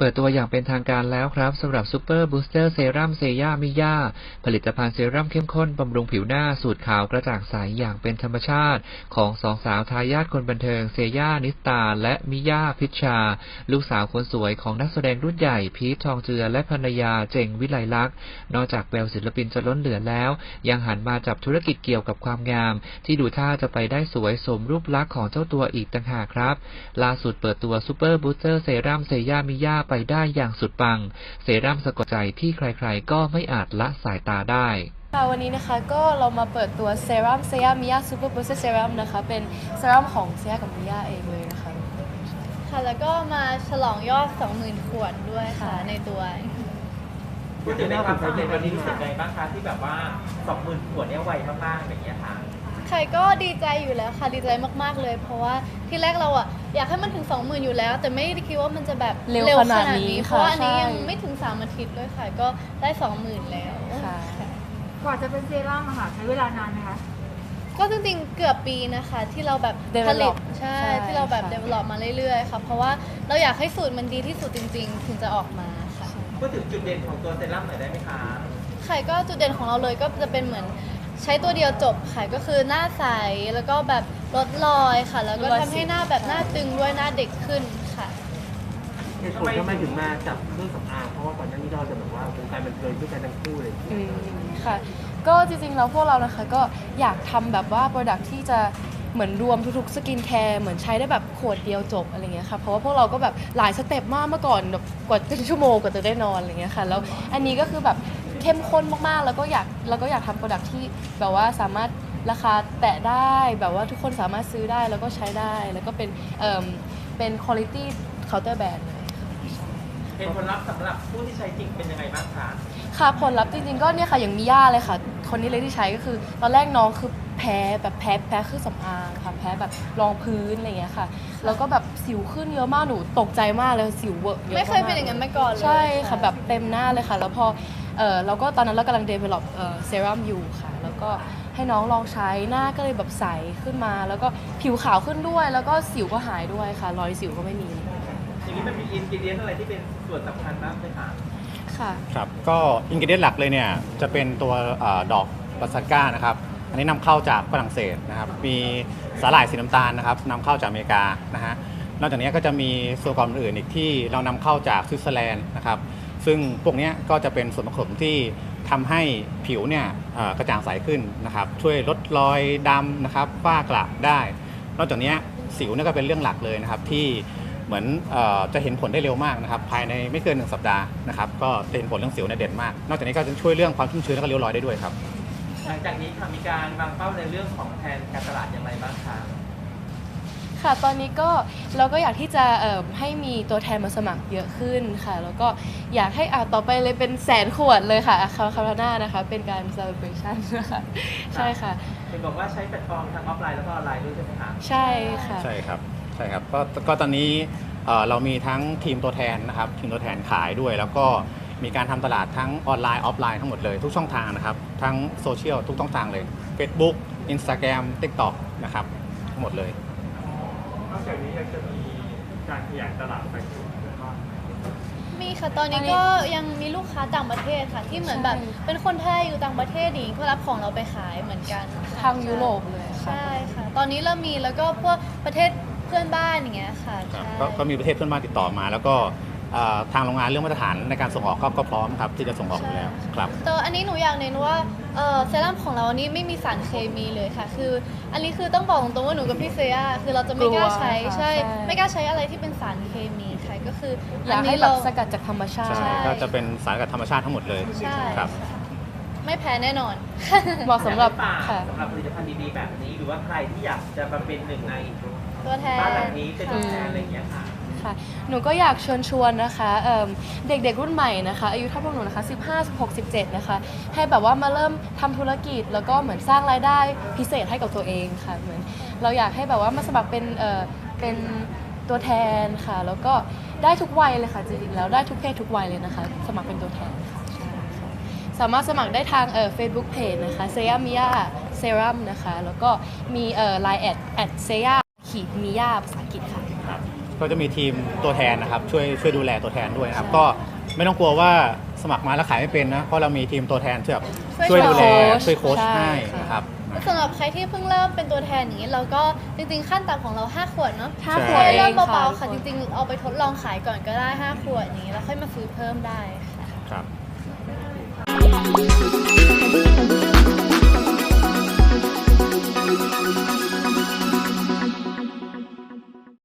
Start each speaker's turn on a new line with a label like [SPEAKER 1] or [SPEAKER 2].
[SPEAKER 1] ปิดตัวอย่างเป็นทางการแล้วครับสำหรับซูเปอร์บูสเตอร์เซรั่มเซย่ามิย่าผลิตภัณฑ์เซรั่มเข้มข้นบำรุงผิวหน้าสูตรขาวกระจ่างใสอย่างเป็นธรรมชาติของสองสาวทายาทคนบันเทิงเซย่านิสตาและมิย่าพิชชาลูกสาวคนสวยของนักแสดงรุ่นใหญ่พีททองเจือและภรรยาเจงวิไลลักษณ์นอกจากแววศิลปินจะล้นเหลือแล้วยังหันมาจับธุรกิจเกี่ยวกับความงามที่ดูท่าจะไปได้สวยสมรูปลักษณ์ของเจ้าตัวอีกต่างหากครับล่าสุดเปิดตัวซูเปอร์บูสเตอร์เซรั่มเซย่ามิย่าไปได้อย่างสุดปังเซรั่มสะกดใจที่ใครๆก็ไม่อาจละสายตาได้
[SPEAKER 2] วันนี้นะคะก็เรามาเปิดตัวเซรั่มเซย่ามิย่าซูเปอร์บูสเตอร์เซรั่มนะคะเป็นเซรั่มของเซย่ากับมิย่าเองเลยนะคะ
[SPEAKER 3] ค่ะแล้วก็มาฉลองยอด 20,000 ขวดด้วยค่ะในตัว
[SPEAKER 4] พูดถึงในความสำเร็จวันนี้รู้สึกไงบ้างคะที่แบบว่า 20,000 ขวดเนี่ยไวมากๆอย่างเงี้ยค่ะ
[SPEAKER 3] ใครก็ดีใจอยู่แล้วค่ะดีใจมากๆเลยเพราะว่าที่แรกเราอะอยากให้มันถึง 20,000 อยู่แล้วแต่ไม่ได้คิดว่ามันจะแบบ
[SPEAKER 2] เร็วขนาดนี้
[SPEAKER 3] เพราะว่าอันนี้ยังไม่ถึง3 อาทิตย์เลยค่ะก็ได้ 20,000 แล้ว
[SPEAKER 2] ค่ะ
[SPEAKER 5] กว่าจะเป็นเซรั่มอะค่ะใช้เวลานานไหมคะ
[SPEAKER 3] ก็จริงๆเกือบปีนะคะที่เราแบบผลิตใช่ที่เราแบบ develop มาเรื่อยๆค่ะเพราะว่าเราอยากให้สูตรมันดีที่สุดจริงๆถึงจะออกมาค่ะ
[SPEAKER 4] พูดถึงจุดเด่นของตัวเซรั่มหน่อยได้ไหมคะ
[SPEAKER 3] ค่ะก็จุดเด่นของเราเลยก็จะเป็นเหมือนใช้ตัวเดียวจบค่ะก็คือหน้าใสแล้วก็แบบลดรอยค่ะแล้วก็ทำให้หน้าแบบหน้าตึงด้วยหน้าเด็กขึ้นค่ะ
[SPEAKER 4] เหตุผลทำไมถึงมาจับเครื่องสำอางเพราะว่าก่อนหน้านี้เราจะแบบว่าวงการบันเทิงด้วยกันทั้งคู่เลย
[SPEAKER 2] ค่ะก็จริงๆแล้วพวกเรานะคะก็อยากทำแบบว่าโปรดักที่จะเหมือนรวมทุกๆสกินแคร์เหมือนใช้ได้แบบขวดเดียวจบอะไรเงี้ยค่ะเพราะว่าพวกเราก็แบบหลายสเต็ปมากเมื่อก่อนแบบกว่าจะชั่วโมงกว่าจะได้นอนอะไรเงี้ยค่ะแล้วอันนี้ก็คือแบบเข้มข้นมากๆแล้วก็อยากทำโปรดักที่แบบว่าสามารถราคาแตะได้แบบว่าทุกคนสามารถซื้อได้แล้วก็ใช้ได้แล้วก็เป็น quality counter brand เลย
[SPEAKER 4] เป็นผลลัพธ์สำหรับผู้ที่ใช้จริงเป็นยังไงบ้างคะ
[SPEAKER 2] ค่ะผลลัพธ์จริงๆก็เนี่ยค่ะอย่างมิย่าเลยค่ะคนนี้เลยที่ใช้ก็คือตอนแรกน้องคือแพ้เครื่องสำอางค่ะแพ้แบบรองพื้นอะไรอย่างเงี้ยค่ะแล้วก็แบบสิวขึ้นเยอะมากหนูตกใจมากเลยสิวเวอะเยอะมาก
[SPEAKER 3] ไม่เคยเป็นอย่างนั้นมาก่อนเลย
[SPEAKER 2] ใช่ค่ะแบบเต็มหน้าเลยค่ะแล้วพอเราก็ตอนนั้นเรากำลัง develop เซรั่มอยู่ค่ะแล้วก็ให้น้องลองใช้หน้าก็เลยแบบใสขึ้นมาแล้วก็ผิวขาวขึ้นด้วยแล้วก็สิวก็หายด้วยค่ะรอยสิวก็ไม่มี
[SPEAKER 4] อย่างนี้มันมีอินกิเดียนอะไรที่เป็นส่วนสำคัญบ้างไหมคะ
[SPEAKER 2] ค่ะ
[SPEAKER 6] ครับก็อินกิเดียนหลักเลยเนี่ยจะเป็นตัวดอกบัสซาก้านะครับอันนี้นำเข้าจากฝรั่งเศสนะครับมีสาหร่ายสีน้ำตาลนะครับนำเข้าจากอเมริกานะฮะนอกจากนี้ก็จะมีส่วนประกอบอื่นอีกที่เรานำเข้าจากสวิตเซอร์แลนด์นะครับซึ่งพวกนี้ก็จะเป็นส่วนผสมที่ทำให้ผิวเนี่ยกระจ่างใสขึ้นนะครับช่วยลดรอยดำนะครับฝ้ากระได้ นอกจากนี้สิวเนี่ยก็เป็นเรื่องหลักเลยนะครับที่เหมือนจะเห็นผลได้เร็วมากนะครับภายในไม่เกิน1 สัปดาห์นะครับก็จะเห็นผลเรื่องสิวเนี่ยเด่นมากนอกจากนี้ก็จะช่วยเรื่องความชุ่มชื้นและก็ริ้วรอยได้ด้วยครับ
[SPEAKER 4] หลังจากนี้ค่ะมีการวางเป้าในเรื่องของแผนการตลาดอย่างไรบ้างคะ
[SPEAKER 2] ค่ะตอนนี้ก็เราก็อยากที่จะให้มีตัวแทนมาสมัครเยอะขึ้นค่ะแล้วก็อยากให้ต่อไปเลยเป็น100,000 ขวดเลยค่ะคาราน่านะคะเป็นการ celebration นะคะใช่ค่ะ
[SPEAKER 4] เห็นบอกว่าใช้แพลตฟอร์มทั้งออฟไลน์แล้วก็ออนไลน์ด้วยใช่ไหมคะ
[SPEAKER 2] ใช่ค่ะ
[SPEAKER 6] ใช่ครับก็ตอนนี้เรามีทั้งทีมตัวแทนนะครับทีมตัวแทนขายด้วยแล้วก็มีการทำตลาดทั้งออนไลน์ออฟไลน์ทั้งหมดเลยทุกช่องทางนะครับทั้งโซเชียลทุกช่องทางเลย Facebook Instagram TikTok นะครับทั้งหมดเลย
[SPEAKER 4] นอกจากนี้ยังจะมีการขยายตลาดไปสู่เพื่อนบ้าน
[SPEAKER 3] มีค่ะตอนนี้ก็ยังมีลูกค้าต่างประเทศค่ะที่เหมือนแบบเป็นคนไทยอยู่ต่างประเทศนี้ก็รับของเราไปขายเหมือนกัน
[SPEAKER 2] ทางยุโรปเลย
[SPEAKER 3] ใช่ค่ะตอนนี้เรามีแล้วก็พวกประเทศเพื่อนบ้านอย่างเงี้ยค่ะ
[SPEAKER 6] ก็มีประเทศเพื่อนบ้านติดต่อมาแล้วก็ทางโรงงานเรื่องมาตรฐานในการส่งออกก็พร้อมครับที่จะส่งออกอยู่แล้วครับ
[SPEAKER 3] ตัวอันนี้หนูอยากเน้นว่าเซรั่มของเราอันนี้ไม่มีสารเคมีเลยค่ะคืออันนี้คือต้องบอกตรงๆว่าหนูกับพี่เซียคือเราจะไม่กล้าใช้ใช่ไม่กล้าใช้อะไรที่เป็นสารเคมีค่ะก็คือ
[SPEAKER 2] อยากให้เราสกัดจากธรรมชาติ
[SPEAKER 6] ใช่ก็จะเป็นสารสกัดธรรมชาติทั้งหมดเลยครับ
[SPEAKER 3] ไม่แพ้แน่นอน
[SPEAKER 2] เหมาะสำหรับ
[SPEAKER 4] ผลิตภัณฑ์ดีๆแบบนี้หรือว่าใครที่อยากจะมาเป็นหนึ่งใน
[SPEAKER 3] ตัวแทน
[SPEAKER 4] บ้านหลังนี้เป็นตัวแทนอะไรอย่างเงี้ยค่ะ
[SPEAKER 2] หนูก็อยากเชิญชวนนะคะเด็กๆรุ่นใหม่นะคะอายุเท่าพวกหนูนะคะ15 16 17นะคะให้แบบว่ามาเริ่มทำธุรกิจแล้วก็เหมือนสร้างรายได้พิเศษให้กับตัวเองค่ะเหมือนเราอยากให้แบบว่ามาสมัครเป็นตัวแทนค่ะแล้วก็ได้ทุกวัยเลยค่ะจริงๆแล้วได้ทุกเพศทุกวัยเลยนะคะสมัครเป็นตัวแทนค่ะสามารถสมัครได้ทางFacebook Page นะคะเซย่ามิย่าเซรั่มนะคะแล้วก็มีLine@ เซย่าขีดมิย่าภาษาอังกฤษค่ะ
[SPEAKER 6] ก็จะมีทีมตัวแทนนะครับช่วยดูแลตัวแทนด้วยนะครับก็ไม่ต้องกลัวว่าสมัครมาแล้วขายไม่เป็นนะเพราะเรามีทีมตัวแทนที่แบบช่วยดูแลช่วยโค้ชให้นะครับ
[SPEAKER 3] สำหรับใครที่เพิ่งเริ่มเป็นตัวแทนอย่างนี้เราก็จริงๆขั้นต่ำของเรา5 ขวดเนาะ
[SPEAKER 2] ห้า
[SPEAKER 6] ใช่
[SPEAKER 2] ขวด
[SPEAKER 3] เริ่ม
[SPEAKER 2] อง
[SPEAKER 3] เบาๆค่ะจริงๆเอาไปทดลองขายก่อนก็ได้5 ขวดอย่างนี้แล้วค่อยมาซื้อเพิ่มได้ค่ะ
[SPEAKER 6] ครับ